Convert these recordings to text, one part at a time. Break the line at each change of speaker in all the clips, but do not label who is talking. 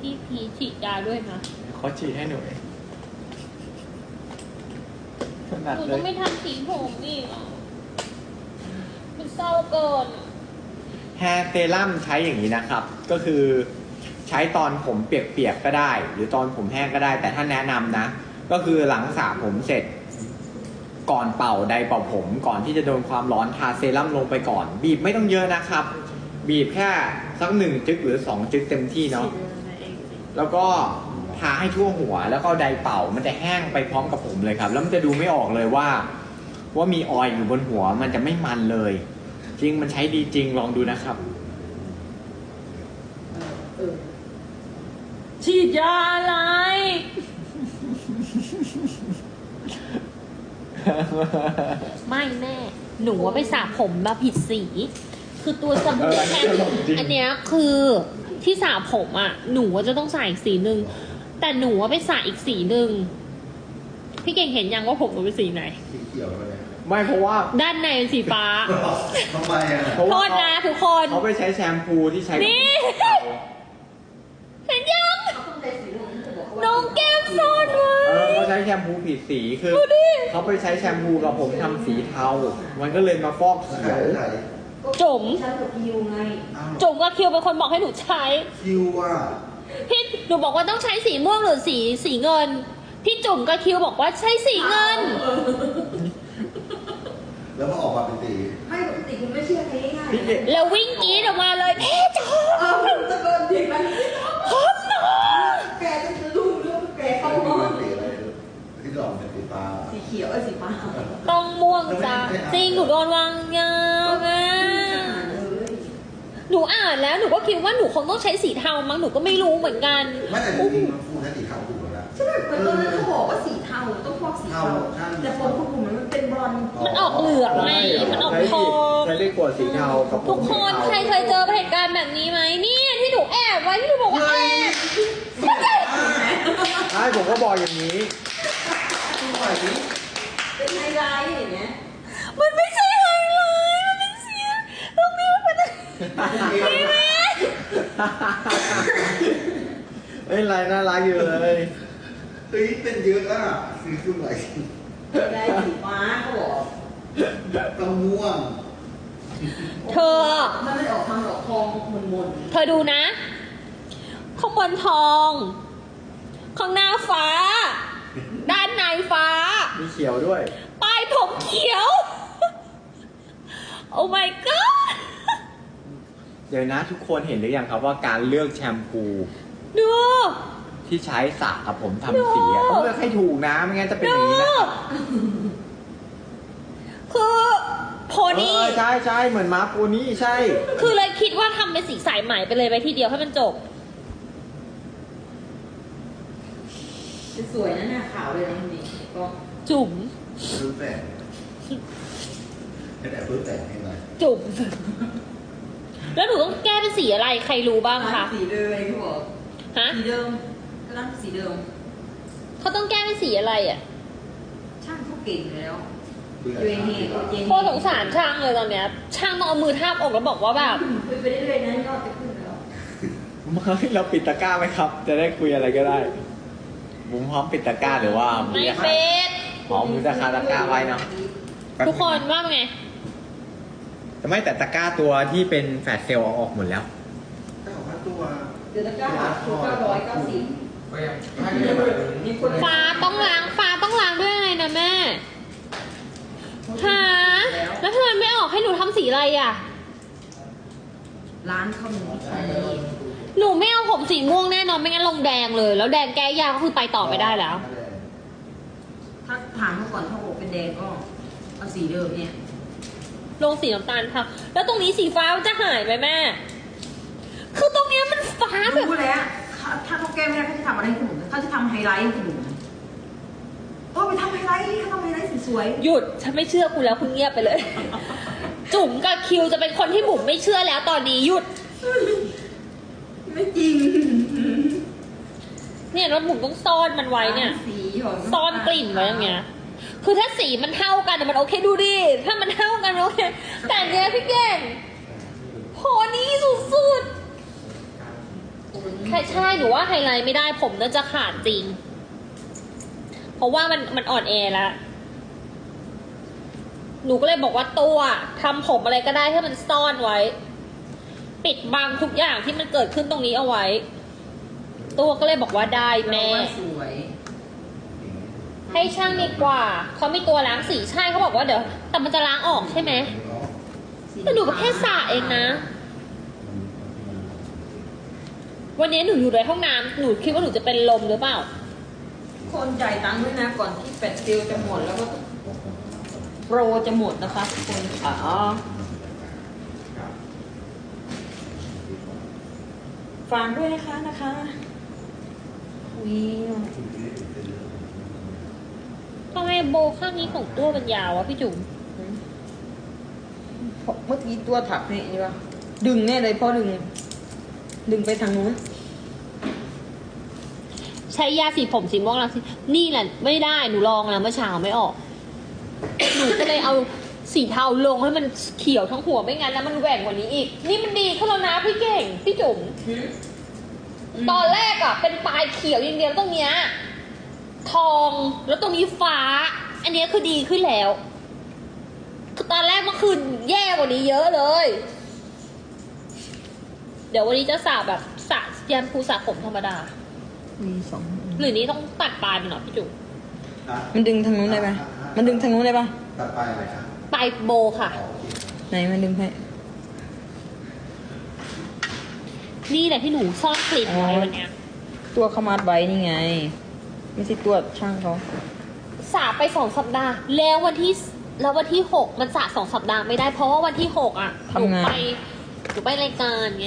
พี่พีฉีดยาด้วยนะ
เขาฉีดให้หนูถนัด
หนู
เล
ต้อย งไม่ทำสีผมอีกอ่ะมันเศร้าเกิน
แฮร์เซรั่มใช้อย่างนี้นะครับ ก็คือใช้ตอนผมเปียกๆก็ได้ หรือตอนผมแห้งก็ได้ แต่ถ้าแนะนำนะ ก็คือหลังสระผมเสร็จ ก่อนเป่าไดร์เป่าผม ก่อนที่จะโดนความร้อนทาเซรั่มลงไปก่อน บีบไม่ต้องเยอะนะครับ บีบแค่สัก1 จึ๊กหรือ2 จึ๊กเต็มที่เนาะแล้วก็ทาให้ทั่วหัวแล้วก็ไดร์เป่ามันจะแห้งไปพร้อมกับผมเลยครับ แล้วมันจะดูไม่ออกเลยว่ามีออยล์อยู่บนหัวมันจะไม่มันเลย จริงมันใช้ดีจริงลองดูนะครับ
ฉีดยาอะไร ไม่แม่ หนูว่าไปสระผมมาผิดสี คือตัวสบู่แค่อันเนี้ยคือที่สระผมอ่ะ หนูว่าจะต้องใส่อีกสีหนึ่ง แต่หนูว่าไปสระอีกสีหนึ่ง พี่เก่งเห็นยังว่าผมหนูเป็นสีไหน
สีเขียวเลย
ไม่เพราะว่า
ด้านในเป็นสีฟ้า
ทำไมอ่ะ
เพราะ
โท
ว่า
ษนะทุกคน
เขาไปใช้แชมพูที่ใช้
นี่ เห็นยังน้องแก้มซ่อนไว้
เขาใช้แชมพูผิดสีคือ
ดูดิ
เขาไปใช้แชมพูกับผมทำสีเทา มันก็เลยมาฟอกเขียว
ไหน
จุ๋ม
ฉันกับคิวไง
อ้าว
จุ๋มกับคิวเป็นคนบอกให้หนูใช้
คิวอ่ะ
พี่หนูบอกว่าต้องใช้สีม่วงหรือสีเงิน พี่จุ๋มกับคิวบอกว่าใช้สีเงิน
แล้วพอออกมาเป็นสี
ไม่ปกติคุณไม่เชื่อใครง่าย
พี่เก่ง
แล้ววิ่งกรีดออกมาเลยเอ๊ะจ๊ะ
ตะเกินจริงมัน
หอมหนอ
แกจะรู้เรื่องแกเขา
ไม่
บ
รู้
อก
เป็นสีอะไรที่หลอกเป็นสีฟ้า
สีเขียวสีฟ้า
ต้องม่วงจ้ะจริงหนูโดนวางยาอ่ะหนูอ่านแล้วหนูก็คิดว่าหนูคงต้องใช้สีเทามั้งหนูก็ไม่รู้เหมือนกัน
ไม่แต่จริงๆมันฟูใช้สีขาวถูกแล้วนะ
ใช่ไหมเหมือนตอนนั้นเขาบอกว่าสีเทาต้องฟอกสีเทาแต่ผมคุณผมมันเป็นบอล
มันออกเหลืองไงมันออกทอง
ใช้ได้กว่าสีเทากับผม
ทุกคนใครเคยเจอเหตุการณ์แบบนี้ไหมนี่ที่หนูแอบไว้ที่หนูบอกว่าแอบ
ใช่ผมก็บอกอย่างนี้
เป็นไฮไลท์อย่างเงี้ย
มันไม่ใช่ไฮไลท์มันเป็นเสียงตรงนี้มันเป็นพี่แม่
ไม่เป็นไรน่ารักอยู่เลย
เฮ้ยเป็นเยอะอ่ะสีคือไหน
ได้สีฟ้าเขาบอก
ต้องม่วง
เธอ
มันไม่ออกทางดอกทองมน
เธอดูนะข้างบนทอง ข้างหน้าฟ้า ด้านในฟ้า
มีเขียวด้วย
ปลายผมเขียว โอ้ my god
เดี๋ยวนะทุกคนเห็นหรือยังครับว่าการเลือกแชมพู
ดู
ที่ใช้สระกับผมทำสีอะต้องเลือกให้ถูกนะไม่งั้นจะเป็นอย่างนี้นะครับ
คือโพนี่
ใช่ใช่เหมือนม้าโพนี่ใช่
คือเลยคิดว่าทำเป็นสีสายไหมไปเลยไปทีเดียวให้มันจบ
ๆสวยนะหน้าขาวเลยนะคุณนี่ก็
จุ๋ม
พื้นแต่งแต่พื้นแต่งให้หน่อย
จุ๋ม แล้วหนูต้องแก้เป็นสีอะไรใครรู้บ้างคะ
สีเดิมเขาบอก
ฮะ
สีเดิมร้านสีเดิม
เขาต้องแก้เป็นสีอะไรอ่ะ
ช่างเขาเก่งแล้ว โค
โคตรสงสารช่างเลยตอนเนี้ย ช่างต้องเอามือทาบอกแล้วบอกว่าแบบ
คุยไปเรื่อยๆนะยอดจะขึ้นแล้ว
ไม่เราปิดตะกร้าไหมครับ จะได้คุยอะไรก็ได้บุ้มพร้อมปิดตะกร้าหรือว่า
ไม่เป็ด
พร้อมมือตะคาตะกร้าไว้เนาะ
ทุกคนว่าไง
แต่ไม่แต่ตะกร้าตัวที่เป็นแฟลชเซลล์เอาออกหมดแล้ว
ถ้าบอกว่าตัว
เดือนละ990มีคน
ฟ้าต้องล้างด้วยอะไรนะแม่หาแล้วทำไมไม่ออกให้หนูทำสีอะไรอ่ะ
ร้านเขามีใช้
หนูไม่เอาผมสีม่วงแน่นอนไม่งั้นลงแดงเลย แล้วแดงแก้ยากก็คือไปต่อไม่ได้แล้ว
ถ้าถามเขาก่อนถ้าบอกเป็นแดงก็เอาสีเดิมเนี่ย
ลงสีน้ำตาลค่ะ แล้วตรงนี้สีฟ้ามันจะหายไหมแม่ คือตรงเนี้ยมันฟ้าแบบ
รู้แล้วถ้าเขาแก้ไม่ได้เขาจะทำอะไรให้คุณหนูเขาจะทำไฮไลท์ให้คุณหนูไปทำไฮไลท์เขาทำไฮไลท์สวย
หยุดฉันไม่เชื่อคุณแล้วคุณเงียบไปเลย จุ๋มกับคิวจะเป็นคนที่บุ๋มไม่เชื่อแล้วตอนนี้หยุด
ไม่จริง
เนี่ยแล้วบุ๋มต้องซ่อนมันไว้เนี่ย
สีหอม
ซ่อนกลิ่นไว้อย่างเงี้ย คือถ้าสีมันเท่ากันมันโอเคดูดิ ถ้ามันเท่ากันโอเค แต่เนี้ยพี่เก่งโหนี่สุดๆใช่หนูว่าไฮไลท์ไม่ได้ผมน่าจะขาดจริง เพราะว่ามันอ่อนแอแล้ว หนูก็เลยบอกว่าตัวทำผมอะไรก็ได้ให้มันซ่อนไว้ ปิดบังทุกอย่างที่มันเกิดขึ้นตรงนี้เอาไว้ ตัวก็เลยบอกว่าได้แม่
เราว่าสวย
ให้ช่างดีกว่าเขามีตัวล้างสีใช่เขาบอกว่าเดี๋ยวแต่มันจะล้างออกใช่ไหมแต่หนูก็แค่สระเองนะ วันนี้หนูอยู่ในห้องน้ำหนูคิดว่าหนูจะเป็นลมหรือเปล่า
คนจ่ายตังค์ด้วยนะก่อนที่แปดซิลจะหมดแล้วก็โปรจะหมดนะคะทุกคนอ๋อฝากด้วยนะคะวิว
ทำไมโบข้างนี้ของตัวมันยาววะพี่จุ๋ม
เมื่อกี้ตัวถักนี่ใช่ปะดึงแน่เลยพ่อดึงไปทางนู้น
ใช้ยาสีผมสีม่วงล้างสีนี่แหละไม่ได้หนูลองแล้วเมื่อเช้าไม่ออก หนูก็เลยเอาสีเทาลงให้มันเขียวทั้งหัวไม่งั้นแล้วมันแหว่งกว่านี้อีก นี่มันดีขึ้นแล้วนะพี่เก่งพี่จุ๋มตอนแรกอะเป็นปลายเขียวอย่างเดียวตรงเนี้ยทองแล้วตรงนี้ฟ้า อันเนี้ยคือดีขึ้นแล้วคือตอนแรกเมื่อคืนแย่กว่านี้เยอะเลย เดี๋ยววันนี้จะสระแบบสระแยมพูสระผมธรรมดา
มีสอง
หรือนี้ต้องตัดปลายมันหน่อยพี่จุ๋ม
มันดึงทางนู้นได้ไหมมันดึงทางนู้นได้ปะ
ตัดไปอะไรครับ
ปลายโบค่ะ
อ๋อโอเค
ไหนมันดึงให้
นี่แหละที่หนูซ่อนกลิ่นไว้วันเนี้ย
ตัวเขามัดไว้นี่ไง ไม่ใช่ตัวช่างเขา
สระไป2 สัปดาห์ แล้ววันที่6มันสระ2 สัปดาห์ไม่ได้เพราะว่าวันที่6อ่ะหนูไปรายการไง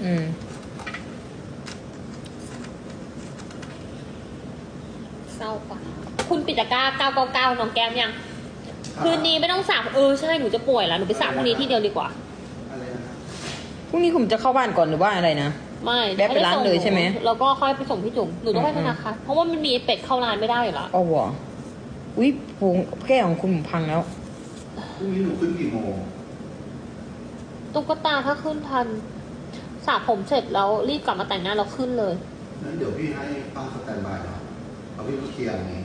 เศร้าปะคุณปิดตะกร้า999น้องแก้มยัง คืนนี้ไม่ต้องสระใช่หนูจะป่วยแล้วหนูไปสระพรุ่งนี้ที่เดียวดีกว่า
อะไรนะครับ
พรุ่งนี้ผมจะเข้าบ้านก่อนหรือว่าอะไรนะ
ไม่
แวะไปร้านเลยใช่ไหม
แล้วก็ค่อยไปส่งพี่จุ๋มหนูต้องไปธนาคารเพราะว่ามันมีเป็ดเข้าร้านไม่ได้อยู่แล้ว
อ๋อวะอุ้ยผงแก้วของคุณผมพังแล้ว
พรุ่งนี้หนูขึ้นกี่โมง
ตุ๊กตาถ้าขึ้นทันสระผมเสร็จแล้วรีบกลับมาแต่งหน้าแล้วขึ้นเลย
งั้นเดี๋ยวพี่ให้ป้าสแตนบายเนาะเอาพี่มาเคลียร์อย่างนี้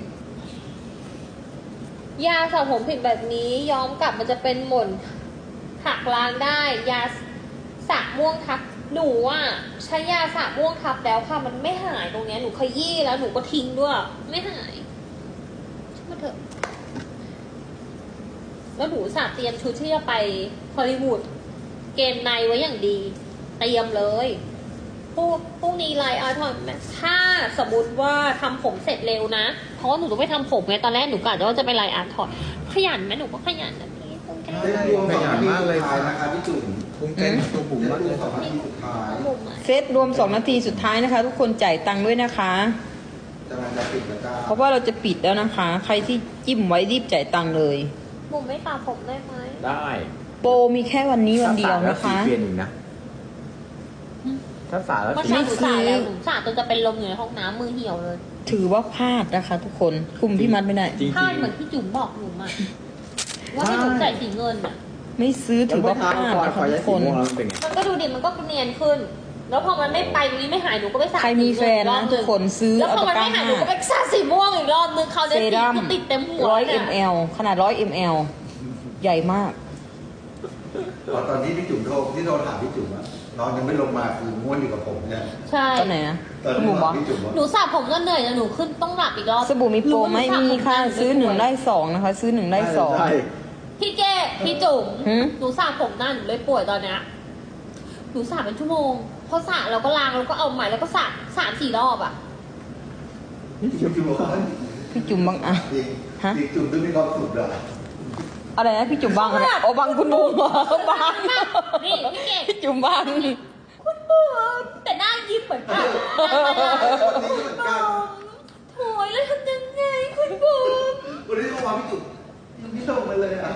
ยาสระผมผิดแบบนี้ย้อมกลับมันจะเป็นหม่นหักล้างได้ ยาสระม่วงทับหนูอ่ะใช้ยาสระม่วงทับแล้วค่ะมันไม่หายตรงเนี้ยหนูขยี้แล้วหนูก็ทิ้งด้วย ไม่หายช่างมาเถอะแล้วหนูสระเตรียมชุดที่จะไปฮอลลีวูดเกมในไว้อย่างดีเตรียมเลยพรุ่งนี้ไลน์อาร์ทอนถ้าสมมติว่าทำผมเสร็จเร็วนะเพราะว่าหนูต้องไปทำผมไงตอนแรกหนูกะว่าจะไปไลน์อาร์ทอนขยันไหมหนูก็ขยันนะพี่ต้องแก้
เส้นรวมสองนาทีสุดท้ายนะคะพี่จุ๋ม
ภูมิใจในตัวผม
เส้น
มาก
ร
เล
วม
ย
สองนาทีสุดท้าย
ผมอะ
เซตรวม2 นาทีสุดท้ายนะคะ ทุกคนจ่ายตังค์ด้วยนะคะ
กำลังจะปิดแล้วจ้า
เพราะว่าเราจะปิดแล้วนะคะ ใครที่จิ้มไว้รีบจ่ายตังค์เลย
ผมไม่สระผมได้ไหม
ได้
โปรมีแค่วันนี้วันเดียวนะคะ
ถ้าสระแล้วสีเปลี่ยนอีกนะถ้าสระแล้ว
เมื่อ
สี
เช้าหนูสระแล้วหนูสระจนจะเป็นลมอยู่ในห้องน้ำมือเหี่ยวเลย
ถือว่าพลาดนะคะ ทุกคนคุมพี่มัดไม่ได้
จริง
พลาดเหมือนที่จุ๋มบอกหนูมาว่าให้หนูจ่ายสีเงินอ่ะ
ไม่ซื้อ
ๆ
ถือว่าพลาด
ก่อน
นะ
พอ
คะ
ย้า
ทุ
ย
ก คน
สีม่วงแล้วมันเป็นไง
มันก็ดูดิมันก็เนียนขึ้น แล้วพอมันไม่ไปตรงนี้ไม่หายหนูก็ไปสระ
ใครมีแฟนนะทุกคนซื้อ
แล้ว
เอา
พอ
ตะ
มัน
กร้า
ไม่หายหนูก็ไปสระสีม่วงอีกรอบนึงเขาว
เซ
เนี่ยสี
รั่ม
คือติดเต็มหัว
100 ml ขนาด100 ml ใหญ่มาก
ตอนที่พี่จุ๋มที่โทรถามพี่จุ๋มอะน้องยังไม่ลงมาคือม้วนอยู่กับผมเนี่ย
ใช่
ตอนไหนนะ
ตอน
คุณ
ที่
บุ๋ม
บ
บอก
อกพี่จุ๋มว่า
หนูสระผมก็เหนื่อยแล้วหนูขึ้นต้องหลับอีกรอบ
สบู่มีโปรไหม
หนู
มีค่ะ
สระผม
ซื้อ1ได้2นะคะ ซื้อ1ได้2
ใช่
พี่เก้พี่จุ๋ม
หืม
หนูสระผมหน้าหนูเลยป่วยตอนเนี้ยหนูสระเป็นชั่วโมงพอสระเราก็ล้างแล้วก็เอาใหม่แล้วก็สระ3-4 รอบอ่ะ
พี่จุ๋มบอกว่า
พี่จุ๋มบางอ่ะ
จริง
ฮะ
จริงจุ๋มต้องมีความสุขเหรอ
อะไรนะพี่จุ๋มบางอะไรโอ้บางคุณบุ๋มเหรอบาง
นี่พี่เก่ง
พี่จุ๋มบาง
คุณบุ๋มแต่หน้ายิ้มเหมือนกัน
วันนี้ก็เหมือนกัน
โถยแล้วทำยังไงคุณบุ๋ม
วันนี้ก็มาพี่จุ๋มยังไม่ลงมาเลยอ่ะ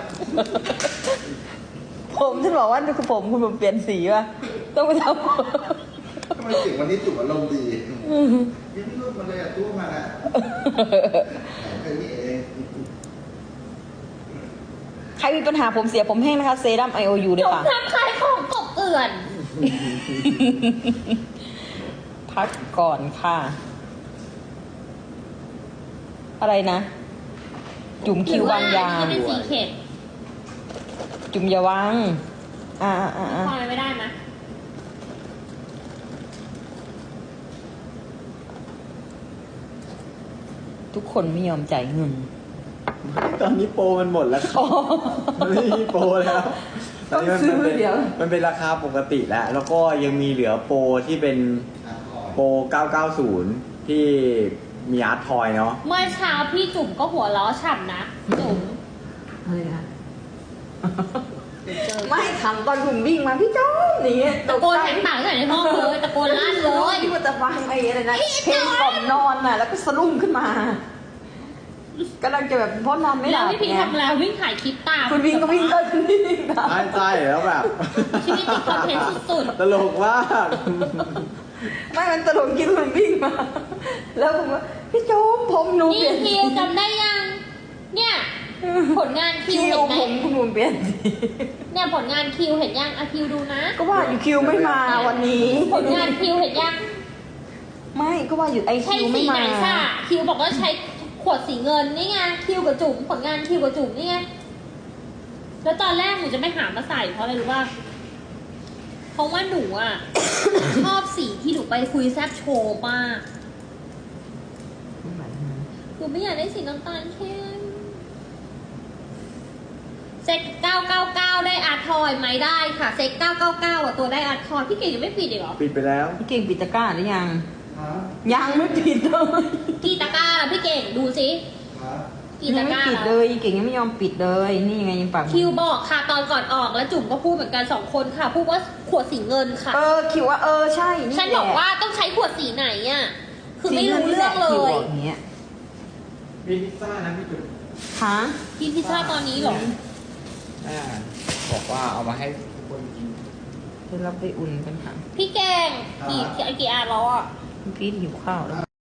ผมฉันบอกว่าคือผมคุณบุ๋มเปลี่ยนสีว่ะต้องไปท
ทำไมเสียงวันนี้จุ๋มอารมณ์ดียังไม่ลงมาเลยอ่ะตัวมาอ่ะ
ำ
แค่นี้เอง
ใครมีปัญหาผมเสียผมแห้งนะคะเซรั่ม IOU ด้วย
ผม
ค่ะ
ทำขายของกบเกลื่อน
พ
พักก่อนค่ะ อะไรนะ จุ่มคิววางยา
ที่เป็นสีเข็ด
จุ่มอย่าวางอ่า
พอไม่ได้นะ
ทุกคนไม่ยอมจ่ายเงิน
ตอนนี้โปรมันหมดแล้วครับมันไม่มีโปรแล้วตอนนี้
ต้องซื้อเดี๋ยว
มันเป็นราคาปกติแล้ว แล้วก็ยังมีเหลือโปรที่เป็นโปร 990 ที่มีอาร์ตทอยเนาะ
เมื่อเช้าพี่จุ๋มก็หัวล้อฉ่ำนะจุ๋ม
อะไรนะไม่ทำตอนผมวิ่งมาพี่โจ้นี่
ตะโกนแหกปากใส่ในห้องเลยตะโกนลั่นเลย
ที่มันจะฟังไอ้อะไรนะเพลงก่อนนอนน่ะ แล้วก็สะดุ้งขึ้นมากำลังจะแบบเพราะนอนไม่ห
แล้
ลั
ว
บ
พี่พิง
ไง
ทำแล้ววิ่งถ่ายคลิปตาม
คุณวิ่งก็วิ่งก็วิ่งตาม
ใช่แล้วแบบ
ชีวิตติดคอนเทนต์สุด
ตลกมาก
ไม่มันตลกคิดมันวิ่งมา แล้วผมว่าพี่โจ้ผมหนู
ๆนี่
เปลี่ยน
คิวจำได้ยัง เนี่ย ผลงานคิ
คิ
ว
ว
เห็นไหม
ผมคุณหนูเปลี่ยนสี
เนี่ยผลงานคิวเห็นยังอะคิวดูนะ
ก็ว่าอยู่คิวไม่มาวันนี้
ผลงานคิวเห็นยัง
ไม่ก็ว่าอยู่ไอ
ใช้
คิว
สี
ไม่
ไหน
มา
ค่ะคิวบอกว่าใช้ขวดสีเงินนี่ไงคิวกับจุ๋มผลงานคิวกับจุ๋มนี่ไงแล้วตอนแรกหนูจะไม่หามาใส่เพราะอะไรรู้ป่ะเพราะว่าหนูอ่ะ ชอบสีที่หนูไปคุยแซบโชว์มากหนูไม่อยากได้สีน้ำตาลเข้มเซ็ต999ได้อาร์ทอยไหมได้ค่ะเซ็ต999อ่ะตัวได้อาร์ทอยพี่เก่งยังไม่ปิดอีกเหรอ
ปิดไปแล้ว
พี่เก่งปิดตะกร้าหรือยัง ยังไม่ปิดเลย
กี่ตะกร้าล่ะพี่เก่งดูสิกี่
ยั
ตะ
ง
ก
ไม่
ร้า
ปิด
ล่ะ
เลยเก่งยังไม่ยอมปิดเลยนี่ยังไงยังปาก
คิวบอกค่ะตอนก่อนออกแล้วจุ๋มก็พูดเหมือนกัน2คนค่ะพูดว่าขวดสีเงินค่ะ
คิวว่าใช่นี่
ฉัน
แหละ
บอกว่าต้องใช้ขวดสีไหนอ่ะคือไม่รู้เรื่องเล
คิวย บอกอย่างเงี้ย
มีพิซซ่านะพี่จุ๊บ
ฮะ
กินพิซซ่าตอนนี้เหรอ
บอกว่าเอามาให้ทุกคนกิน
เดี๋ยวเราไปอุ่นกันค่ะ
พี่แกงกี่อันแล้วอ่ะ
พี่หิวข้าวแล้ว